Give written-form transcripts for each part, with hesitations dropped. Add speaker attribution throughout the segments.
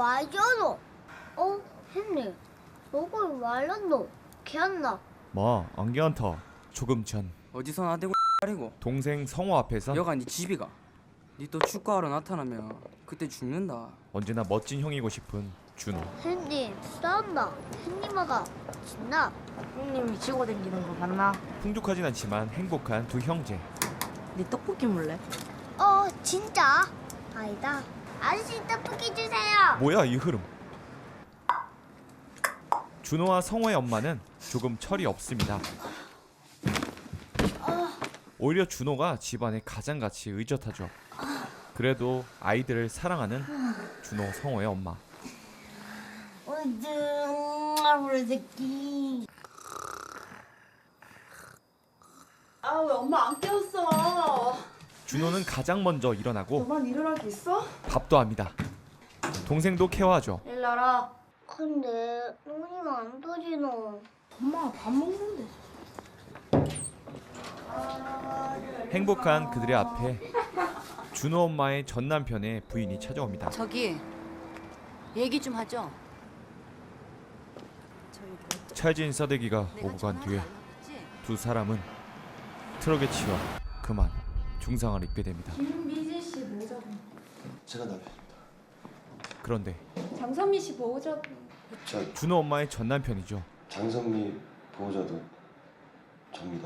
Speaker 1: 와이저노. 햇님. 너걸 말랐노. 걔안나.
Speaker 2: 안 괜찮다. 조금 전
Speaker 3: 어디서 나대고 X리고
Speaker 2: 동생 성호 앞에서
Speaker 3: 여가 네 집이가. 니 또 축구하러 나타나면 그때 죽는다.
Speaker 2: 언제나 멋진 형이고 싶은 준호.
Speaker 1: 햇님 싸운다. 햇님아가 진나.
Speaker 4: 형님이 치고 댕기는 거 봤나?
Speaker 2: 풍족하진 않지만 행복한 두 형제.
Speaker 4: 네 떡볶이 물래?
Speaker 1: 진짜? 아니다. 아저씨 떡볶이 주세요.
Speaker 2: 뭐야 이 흐름. 준호와 성호의 엄마는 조금 철이 없습니다. 오히려 준호가 집안의 가장같이 의젓하죠. 그래도 아이들을 사랑하는 준호 성호의 엄마.
Speaker 4: 우리 새끼. 아 왜 엄마 안 깨웠어?
Speaker 2: 준호는 가장 먼저 일어나고
Speaker 4: 너만 일어날 게 있어?
Speaker 2: 밥도 합니다. 동생도 케어하죠.
Speaker 4: 일 나라.
Speaker 1: 근데 눈이 안 떠지노.
Speaker 4: 엄마가 밥 먹는데.
Speaker 2: 행복한 그들의 앞에 준호 엄마의 전 남편의 부인이 찾아옵니다.
Speaker 5: 저기 얘기 좀 하죠.
Speaker 2: 찰진 싸대기가 오고 간 뒤에 두 사람은 트럭에 치여 그만 중상을 입게 됩니다.
Speaker 6: 김미진 씨 보호자분.
Speaker 7: 제가 남편입니다.
Speaker 2: 그런데
Speaker 6: 장선미 씨 보호자분.
Speaker 7: 저
Speaker 2: 준호 엄마의 전 남편이죠.
Speaker 7: 장선미 보호자도 접니다.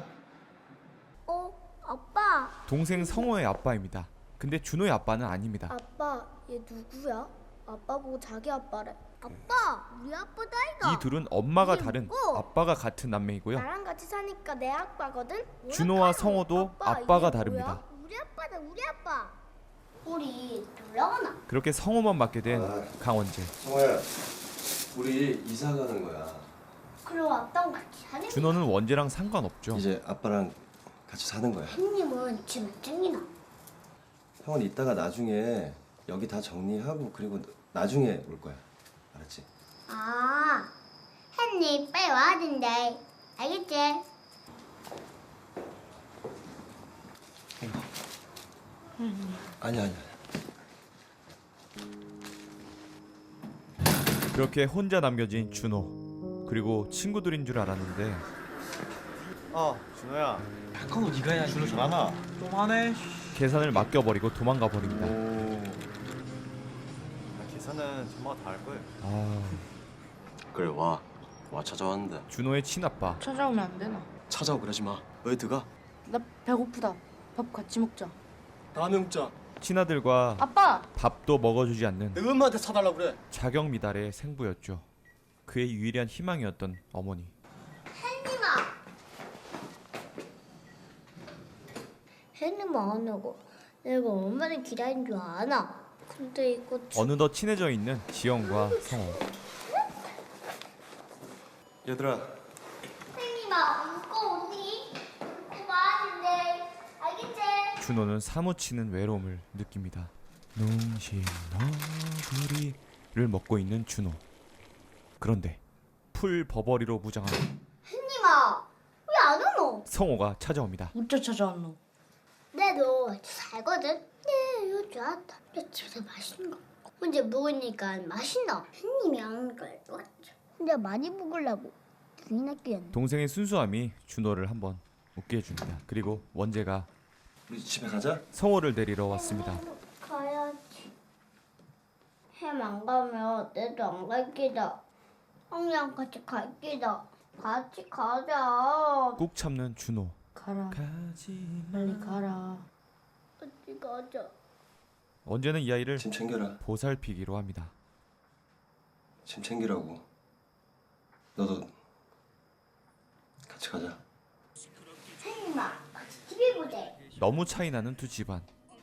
Speaker 1: 아빠.
Speaker 2: 동생 성호의 아빠입니다. 근데 준호의 아빠는 아닙니다.
Speaker 1: 아빠, 얘 누구야? 아빠 보고 자기 아빠래. 아빠, 우리 아빠다 이거.
Speaker 2: 이 둘은 엄마가
Speaker 1: 이게
Speaker 2: 다른
Speaker 1: 뭐고?
Speaker 2: 아빠가 같은 남매이고요.
Speaker 1: 나랑 같이 사니까 내 아빠거든.
Speaker 2: 준호와 성호도 아빠가
Speaker 1: 이게
Speaker 2: 다릅니다.
Speaker 1: 뭐야? 우리 아빠다, 우리 아빠. 우리 놀러 가나?
Speaker 2: 그렇게 성호만 맡게 된 강원재.
Speaker 7: 성호야, 우리 이사 가는 거야.
Speaker 1: 그럼 아빠랑 같이 사는.
Speaker 2: 준호는 원재랑 상관없죠.
Speaker 7: 이제 아빠랑 같이 사는 거야.
Speaker 1: 형님은 지금 몇 쟁이나?
Speaker 7: 형은 이따가 나중에 여기 다 정리하고 그리고 나중에 올 거야. 알았지?
Speaker 1: 아, 햇님 빨리 와야 된대. 알겠지?
Speaker 7: 아니야.
Speaker 2: 그렇게 혼자 남겨진 준호. 그리고 친구들인 줄 알았는데
Speaker 8: 준호야.
Speaker 3: 그거 네가 해야지.
Speaker 8: 준호 잘하나? 좀 하네.
Speaker 2: 계산을 맡겨버리고 도망가 버립니다.
Speaker 8: 계산은 엄마가 다 할 거예요.
Speaker 7: 그래 와 찾아왔는데.
Speaker 2: 준호의 친아빠.
Speaker 4: 찾아오면 안 되나?
Speaker 7: 찾아오 그러지 마. 왜 들어가?
Speaker 4: 나 배고프다. 밥 같이 먹자.
Speaker 7: 다음에 먹자.
Speaker 2: 친아들과
Speaker 4: 아빠.
Speaker 2: 밥도 먹어주지 않는
Speaker 7: 내가 엄마한테 사달라고 그래.
Speaker 2: 자경미달의 생부였죠. 그의 유일한 희망이었던 어머니.
Speaker 1: 햇님아. 햇님 안 오고 내가 얼마나 기다린 줄 아나? 근데 이거
Speaker 2: 어느덧 친해져 있는 지영과 성호.
Speaker 7: 얘들아.
Speaker 1: 햇님아 웃고 오니? 웃고 와는데 알겠지?
Speaker 2: 준호는 사무치는 외로움을 느낍니다. 농심 너구리를 먹고 있는 준호. 그런데 풀 버버리로 무장한
Speaker 1: 햇님아 왜 안 오노?
Speaker 2: 성호가 찾아옵니다.
Speaker 4: 어째 찾아왔노?
Speaker 1: 내도 살거든? 네 요즘 왔다. 내 집에서 맛있는 거 혼자 먹으니까 맛있나? 햇님이 안 오니까 왔죠. 혼자 많이 먹으려고 눈이 낚였네.
Speaker 2: 동생의 순수함이 준호를 한번 웃게 해줍니다. 그리고 원재가
Speaker 7: 우리 집에 가자.
Speaker 2: 성호를 데리러 왔습니다.
Speaker 1: 가야지. 햄 안 가면 내도 안 갈 기다. 형이랑 같이 갈 기다. 같이 가자.
Speaker 2: 꾹 참는 준호.
Speaker 4: 가라.
Speaker 2: 가지마.
Speaker 4: 빨리 가라.
Speaker 1: 같이 가자.
Speaker 2: 원재는 이 아이를
Speaker 7: 짐 챙겨라.
Speaker 2: 보살피기로 합니다.
Speaker 7: 짐 챙기라고. 너도 같이 가자.
Speaker 1: 햄님아 같이 TV 보자.
Speaker 2: 너무 차이나는 두 집안.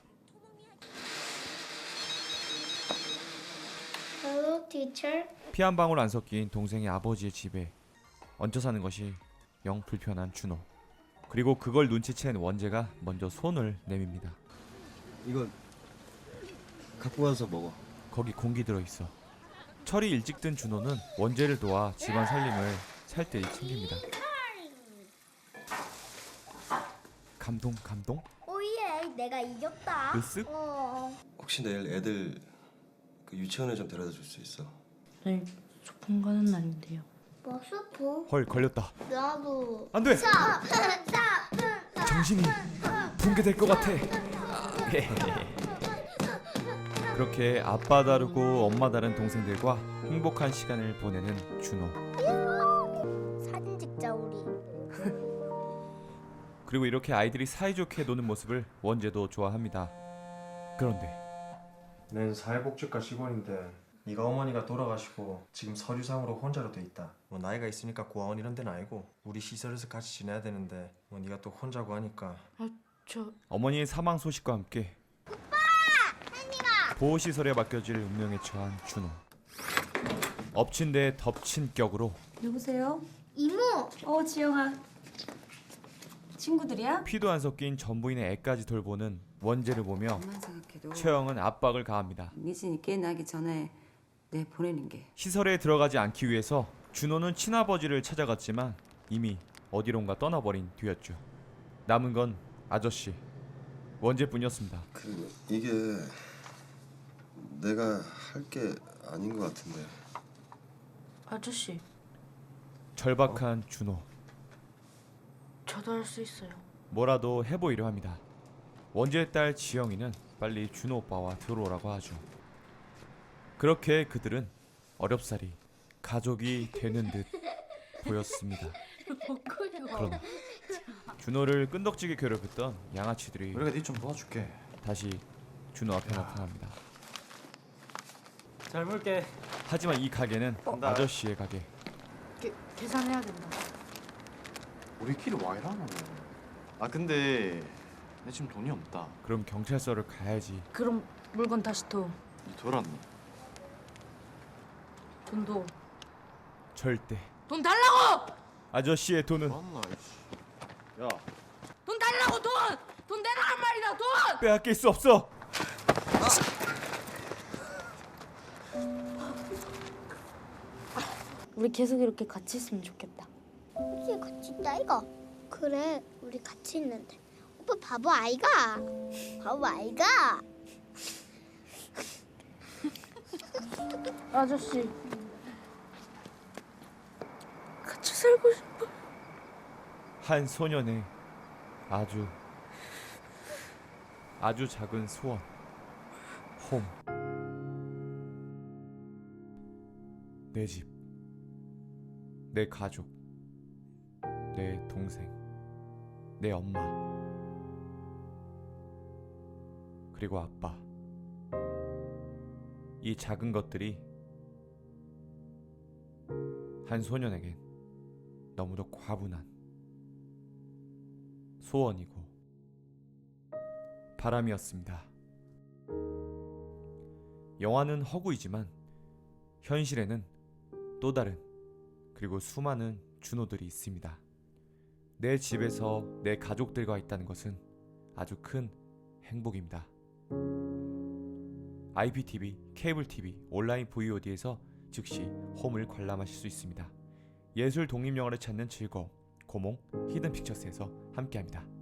Speaker 1: Hello, teacher.
Speaker 2: 피 한 방울 안 섞인 동생의 아버지의 집에 얹혀 사는 것이 영 불편한 준호. 그리고 그걸 눈치챈 원재가 먼저 손을 내밉니다.
Speaker 7: 이거 갖고 가서 먹어.
Speaker 2: 거기 공기 들어있어. 철이 일찍 든 준호는 원재를 도와 집안 살림을 살뜰히 챙깁니다. 감동?
Speaker 1: 오예, 내가 이겼다.
Speaker 2: 으쓱?
Speaker 7: 혹시 내일 애들 그 유치원에 좀 데려다 줄 수 있어?
Speaker 9: 내일 소풍 가는 날인데요.
Speaker 1: 뭐 수프?
Speaker 2: 헐 걸렸다.
Speaker 1: 나도.
Speaker 2: 안돼. 정신이 붕괴될 것 같아. 그렇게 아빠 다르고 엄마 다른 동생들과 행복한 시간을 보내는 준호.
Speaker 1: 사진 찍자 우리.
Speaker 2: 그리고 이렇게 아이들이 사이좋게 노는 모습을 원재도 좋아합니다. 그런데
Speaker 8: 난 사회복지과 직원인데 네가 어머니가 돌아가시고 지금 서류상으로 혼자로 돼 있다. 뭐 나이가 있으니까 고아원 이런 데는 아니고 우리 시설에서 같이 지내야 되는데 뭐 네가 또 혼자고 하니까
Speaker 2: 어머니의 사망 소식과 함께 보호시설에 맡겨질 운명에 처한 준호. 엎친 데 덮친 격으로
Speaker 6: 누구세요?
Speaker 1: 이모.
Speaker 6: 지영아. 친구들이야?
Speaker 2: 피도 안 섞인 전부인의 애까지 돌보는 원재를 보며
Speaker 5: 엄만 생각해도
Speaker 2: 최영은 압박을 가합니다.
Speaker 5: 미진이 깨나기 전에 내 보내는 게.
Speaker 2: 시설에 들어가지 않기 위해서 준호는 친아버지를 찾아갔지만 이미 어디론가 떠나버린 뒤였죠. 남은 건 아저씨 원재뿐이었습니다.
Speaker 7: 그리고 이게 내가 할 게 아닌 것 같은데.
Speaker 9: 아저씨,
Speaker 2: 절박한 준호.
Speaker 9: 저도 할 수 있어요.
Speaker 2: 뭐라도 해보이려 합니다. 원재의 딸 지영이는 빨리 준호 오빠와 들어오라고 하죠. 그렇게 그들은 어렵사리 가족이 되는 듯 보였습니다. 그러나 준호를 끈덕지게 괴롭혔던 양아치들이
Speaker 8: 우리가 니 좀 도와줄게.
Speaker 2: 다시 준호 앞에 나타납니다.
Speaker 8: 잘 볼게.
Speaker 2: 하지만 이 가게는 아저씨의 가게.
Speaker 9: 계산해야 된다.
Speaker 8: 우리끼리 와 이러노. 아 근데 내 지금 돈이 없다.
Speaker 2: 그럼 경찰서를 가야지.
Speaker 9: 그럼 물건 다시 둬.
Speaker 8: 니 돌았니?
Speaker 9: 돈도.
Speaker 2: 절대
Speaker 9: 돈 달라고!
Speaker 2: 아저씨의 돈은
Speaker 8: 맞나 이씨. 야.
Speaker 9: 돈 달라고 돈! 돈 내라란 말이다 돈!
Speaker 2: 빼앗길 수 없어.
Speaker 9: 우리 계속 이렇게 같이 있으면 좋겠다.
Speaker 1: 우리 같이 있다 이거. 그래 우리 같이 있는데. 오빠 바보 아이가. 바보 아이가.
Speaker 9: 아저씨, 같이 살고 싶어.
Speaker 2: 한 소년의 아주 작은 소원. 홈. 내 집. 내 가족. 내 동생. 내 엄마. 그리고 아빠. 이 작은 것들이 한 소년에겐 너무도 과분한 소원이고 바람이었습니다. 영화는 허구이지만 현실에는 또 다른 그리고 수많은 준호들이 있습니다. 내 집에서 내 가족들과 있다는 것은 아주 큰 행복입니다. IPTV, 케이블TV, 온라인 VOD에서 즉시 홈을 관람하실 수 있습니다. 예술 독립영화를 찾는 즐거움, 고몽 히든픽처스에서 함께합니다.